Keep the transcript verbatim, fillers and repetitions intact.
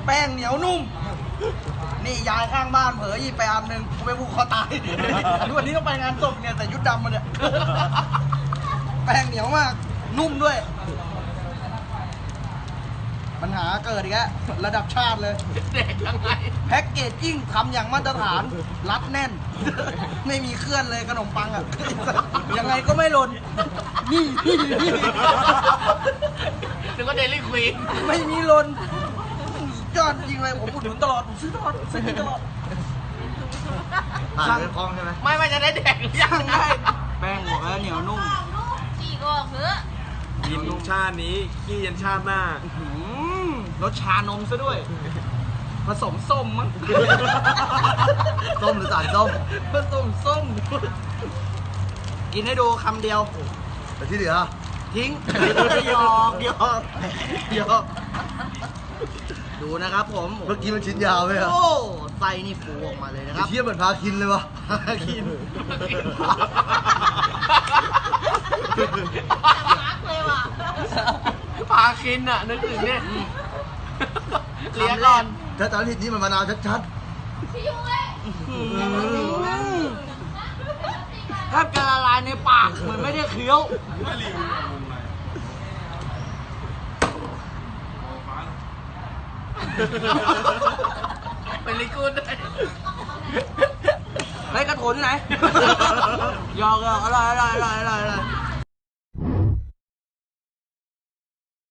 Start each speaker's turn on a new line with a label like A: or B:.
A: แป้งเหนียวนุ่มนี่ยายข้างบ้านเผลอหยิบไปอันหนึ่งกูไปผูกคอตายวันนี้ต้องไปงานศพเนี่ยแต่ยุดดำมาเนี่ยแป้งเหนียวมากนุ่มด้วยปัญหาเกิดอีกแล้วระดับชาติเลย
B: เด็กยังไง
A: แพ็กเกจจิ้งทำอย่างมาตรฐานรัดแน่นไม่มีเคลื่อนเลยขนมปังอ่ะยังไงก็ไม่หล่นนี่นี่นี่
B: นึกว่าเดลี่ควีน
A: ไม่มีหล่นยอดจริงเลยผมอุดหนุนตลอดผมซื้อตลอดซื้อตลอด
C: ผ่านไปคลองใช่ไหม
B: ไม่ไม่จะได้แดกหรือยังไง
A: แป้งหัวเหนียวนุ่ม
D: จีก็เหือ
C: กินชาตินี้ขี้ยันชาติหน้
A: ารสชานมซะด้วยผสมส้มมั้ง
C: ส้มหรือสารส้ม
A: ผสมส้มกินให้ดูคำเดียว
C: แต่ที่เหลือ
A: ทิ้งหยอกหยอกหยอกดูนะครับผม
C: เมื่อกี้มันชิ้นยาวไหมครับ
A: โอ้ไส้นี่ฟูออกมาเลยนะครับ
C: เทียบเหมือนพาคินเลยวะ
A: พาคิน
D: รักเลยว่ะ
B: พาคินอ่ะนึกถึงเนี่ย
A: เลี้ยงก่อน
C: ถ้าจำผิดนี่มันมะนาวชัด
A: แทบจะละลายในปากเหมือนไม่ได้เคี้ยว
B: เป็นลิกูดได้
A: ไอ้กระโถนที่ไหนยอกยอกอร่อยอร่อยอร่อยอร่อย